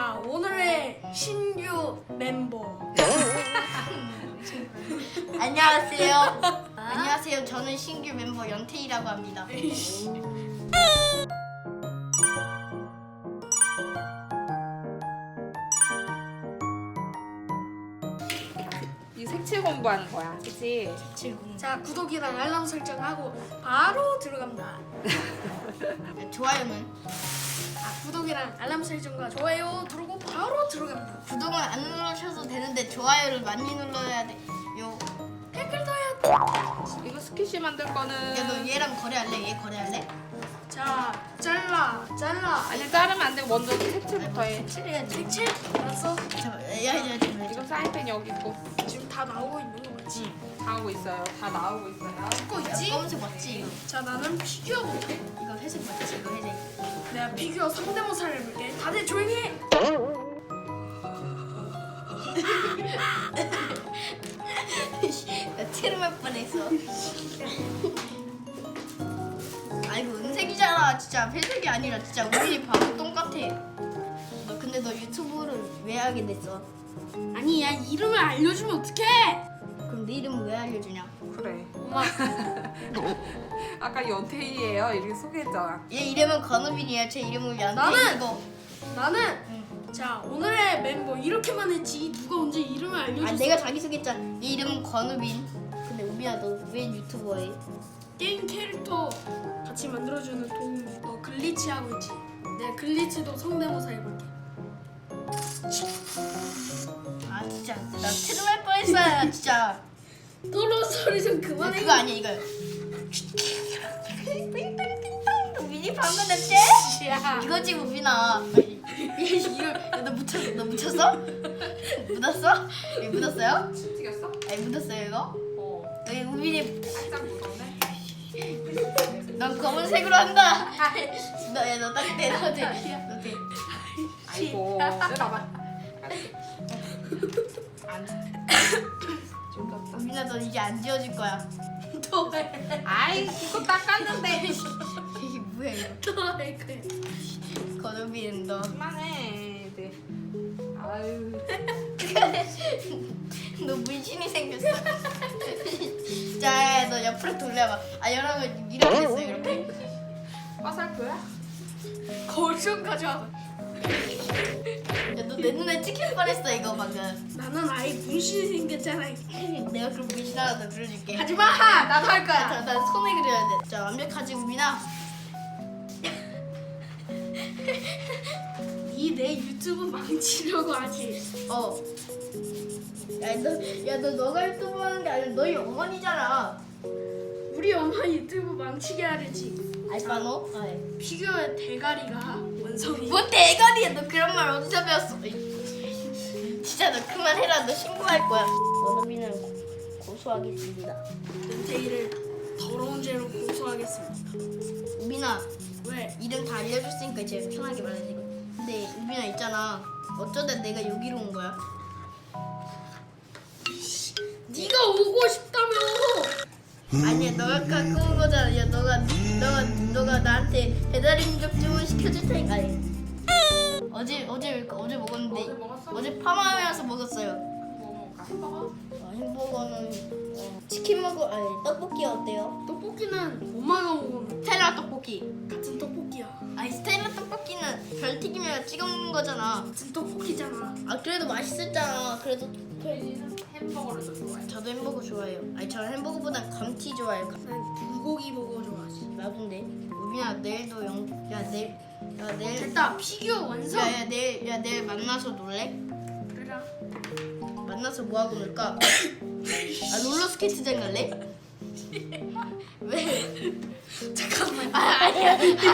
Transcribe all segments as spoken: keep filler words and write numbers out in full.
자, 오늘의 신규 멤버. 안녕하세요. 안녕하세요. 저는 신규 멤버 연태이라고 합니다. 이 색칠 공부하는 거야, 그치? 자, 구독이랑 알람 설정하고 바로 들어갑니다. 좋아요는 아, 구독이랑 알람 설정과 좋아요 누르고 바로 들어갑니다. 구독은 안 누르셔도 되는데 좋아요를 많이 눌러야 돼요. 댓글도 해야 돼. 이거 스키시 만들 거는 야, 너 얘랑 거래할래? 얘 거래할래? 자, 잘라, 잘라. 아니 자르면 안 되고 먼저 색칠부터 해. 색칠해야지. 색칠 알았어? 잠깐만, 야, 야, 야, 야, 지금 사인펜 여기 있고 지금 다 나오고 있는 거 맞지? 다 하고 있어요. 다 나오고 있어요. 찍고 야, 있지? 검은색 맞지? 이거? 자, 나는 피규어 볼게. 이거 회색 맞지? 이거 회색. 내가 피규어 성대모사를 해볼게. 다들 조용히 해. 나 트름할 뻔했어. 아이고 은색이잖아. 진짜 회색이 아니라 진짜 우리 바로 똑같아. 너 근데 너 유튜브를 왜 하게 됐어? 아니, 야, 이름을 알려주면 어떡해? 그럼 네 이름을 왜 알려주냐? 그래. 엄마. 아까 연태이예요. 이렇게 소개했잖아. 얘 이름은 건우빈이야. 제 이름은 연태. 나는! 이거. 나는 응. 자, 오늘의 멤버 이렇게만 했지 누가 언제 이름을 알려줬어? 아 내가 자기 소개했잖아. 얘 이름은 건우빈. 근데 우빈아 너 왜 유튜버 해? 게임 캐릭터 같이 만들어주는 도움. 너 글리치 하고 있지? 내가 글리치도 성대모사 해볼게. 아 진짜 나 트름할 뻔했어요. 진짜. 도로 소리 좀 그만해. 그거 아니야 이거. 우빈이 방금 했지? 야, 이거지 우빈아. 이거 너 묻혔어? 너 묻혔어? 묻었어? 여기 묻었어요? 튀겼어? 아니 묻었어요 이거? 어. 여기 우빈이 살짝 묻었네. 넌 검은색으로 한다. 너야너딱 대. 너 대. 너 대. 아이고. 내려봐. 안. 좀 더. 우빈아 너 이제 안 지워질 거야. 또 해. 아이 이거 닦았는데. 이게 뭐야 이거? 또할 거야. 건우빈 너. 그만해. 네. 아유. 너 문신이 생겼어. 자, 너 옆으로 돌려봐. 아 여러분 이렇게 됐어 이렇게. 화살표야? 거울 좀 가져와. 야, 너 내 눈에 찍힐 뻔했어 이거 방금. 나는 아예 문신이 생겼잖아. 내가 그럼 문신 하나 더 그려줄게. 하지 마. 나도 할 자, 거야. 나 손에 그려야 돼. 자, 완벽하지 우빈아. 니 내 유튜브 망치려고 하지. 어. 야, 너, 야, 너 너가 유튜브 하는 게 아니라 너희 어머니잖아. 우리 엄마 유튜브 망치게 하려지. 알바노? 아, 예. 피규어의 대가리가 원성이. 뭔 대가리야? 너 그런 말 어디서 배웠어? 이. 진짜 너 그만해라. 너 신고할 거야. 원어민은 고소하겠습니다. 연태이를 더러운 죄로 고소하겠습니다. 우빈아, 왜? 이름 다 알려줬으니까 이제 편하게 말해야지. 이거. 근데 우빈아 있잖아. 어쩌다 내가 여기로 온 거야? 네가 오고 싶다며. 아니야, 너가 갖고 온 거잖아. 야, 너가 너가 너가 나한테 배달 인접 주문 시켜줄 테니까. 아니. 어제 어제 어제 먹었는데 어제 먹었어? 어제 파마하면서 먹었어요. 뭐 먹을까? 햄버거? 어, 햄버거는 어, 치킨 먹고 아니 떡볶이 어때요? 떡볶이는 엄마가 먹으면 스텔라 떡볶이. 같은 떡볶이야. 아니 스텔라 떡볶이는 별튀김에다 찍어 먹는 거잖아. 같은 떡볶이잖아. 아 그래도 맛있었잖아. 그래도 혜진이는 햄버거를 더 좋아해. 저도 햄버거 좋아해요. 아니 저는 햄버거보단 감튀 좋아해요. 난 불고기 버거 좋아하지. 나도인데. 우빈아 내일도 영. 야 내일. 야 내일. 됐다. 피규어 완성. 야야 내일 야 내일 만나서 놀래? 그래라. 만나서 뭐 하고 놀까? 아 롤러스케이트장 갈래? 왜? 잠깐만. 아 아니야.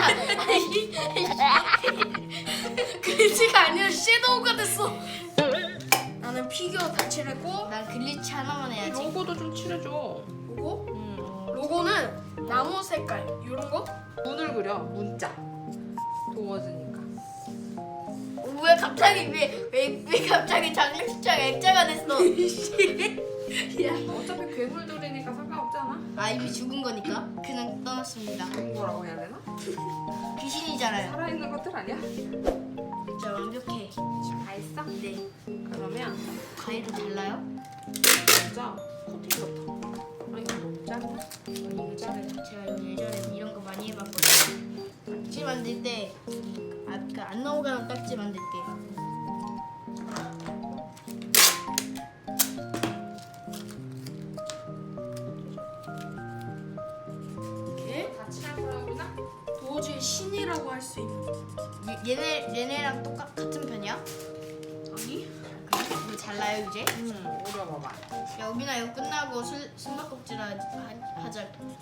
글씨가 아니라 섀도우가 됐어. 나는 피규어 다 칠했고 난 글리치 하나만 해야지. 로고도 좀 칠해줘. 로고? 음. 로고는 나무 색깔 이런 거? 문을 그려. 문자. 도와주니까. 왜 갑자기 왜 왜 왜 갑자기 장례식장 액자가 됐어? 야, 어차피 괴물들이니까 상관없잖아. 아 이미 죽은 거니까 그냥 떠났습니다. 죽은 거라고 해야 되나? 귀신이잖아요. 살아있는 것들 아니야? 진짜 완벽해. 네. 그러면 가위로 잘라요? 먼저 코팅부터. 아 이거 너무 작네. 이거 자르자. 제가 예전에 이런 거 많이 해봤거든요. 딱지 만들 때, 아, 그 안 넘어가는 딱지 만들 때. 이렇게 다 칠할 거야 우리나? 도어즈의 신이라고 할 수 있는. 얘, 얘네 얘네랑 똑같 같은 편이야? 아니? 그래? 이거 잘라요 이제? 응. 오려봐봐. 야 우빈아 이거 끝나고 술 숨바꼭질 하, 하, 하자.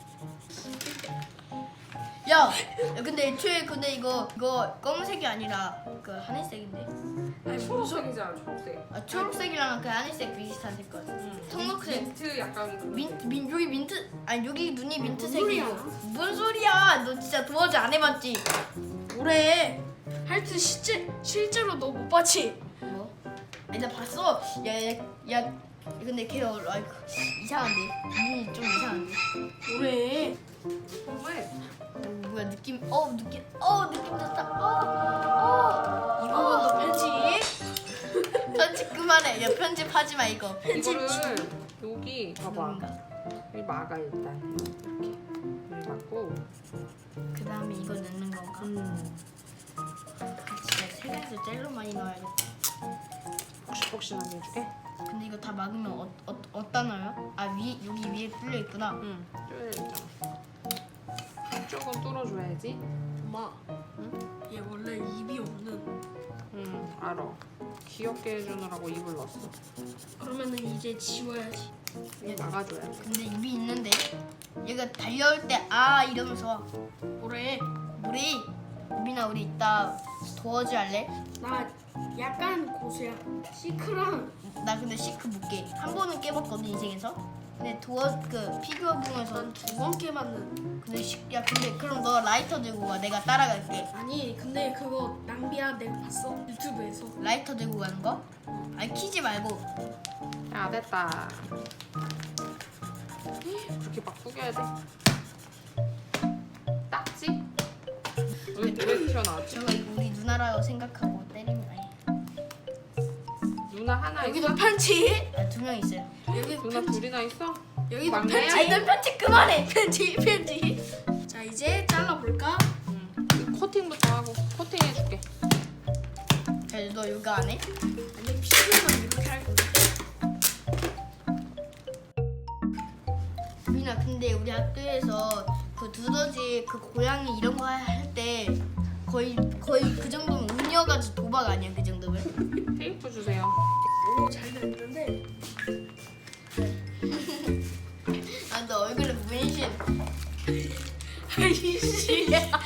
야, 야 근데 애초에 근데 이거 이거 검은색이 아니라 그 하늘색인데. 아니 초록색이잖아 초록색. 아 초록색이랑 그 하늘색 비슷한 색깔. 응. 청록색. 민트 약간 그런 민, 색. 민 여기 민트 아니 여기 눈이 뭔 민트색이고. 소리야? 뭔 소리야? 너 진짜 도어즈 안 해봤지? 뭐래? 하여튼 실제 실제로 너 못 봤지? 뭐? 아니 나 봤어. 야야야 야, 야, 근데 걔 어, 아이고, 이상한데. 눈이 좀 이상한데. 뭐래? 정말 어, 뭐야 느낌? 어 느낌? 어 느낌 좋다. 어 어. 이 부분도 편집. 편집 그만해. 야 편집하지 마 이거. 이거를 여기 봐봐. 뭔가. 여기 막아 일단 이렇게 여기 막고. 그 다음에 이거 넣는 건가? 음. 진짜 세상에서 제일 많이 넣어야겠다. 폭신폭신하게 해줄게. 근데 이거 다 막으면 어, 어, 어디다 넣어요? 아 위, 여기 위에 뚫려 있구나. 응. 뚫려 있잖아. 한쪽은 뚫어줘야지. 엄마, 응? 얘 원래 입이 없는. 응. 알아. 귀엽게 해주느라고 입을 넣었어. 그러면은 이제 지워야지. 이거 막아줘야 돼. 근데 입이 있는데 얘가 달려올 때 아 이러면서 뭐래? 우리 우빈아 우리 이따 도어즈 할래? 나 약간 고수야. 시크랑 나 근데 시크 못 깨. 한 번은 깨봤거든 인생에서. 근데 도어 그 피규어 부에서 난 두 번 깨봤는. 근데 시, 야 근데 그럼 너 라이터 들고 가. 내가 따라갈게. 아니 근데 그거 낭비야. 내가 봤어 유튜브에서. 라이터 들고 가는 거? 아니 키지 말고. 야 됐다. 그렇게 막 구겨야 돼. 딱지? 왜, 왜 튀어나왔지? 저거 이거 우리 누나라고 생각하고 때리면 아니. 누나 하나 여기도 있어? 편지. 아, 두 명 있어요. 여기 누나 편지. 둘이나 있어? 여기도 막내야? 편지. 아니 너 편집 그만해. 편지 편지. 자 이제 잘라볼까? 응. 이 코팅부터 하고 코팅해줄게. 야, 너 이거 안 해? 아니 피부만 이렇게 할 건데. 민아 근데 우리 학교에서 그 두더지 그 고양이 이런 거 할 때 거의 거의 그 정도면 운이어가지고 도박 아니야 그 정도면? 테이프 주세요. 오 잘 됐는데. 아 너 얼굴에 문신. 아이씨.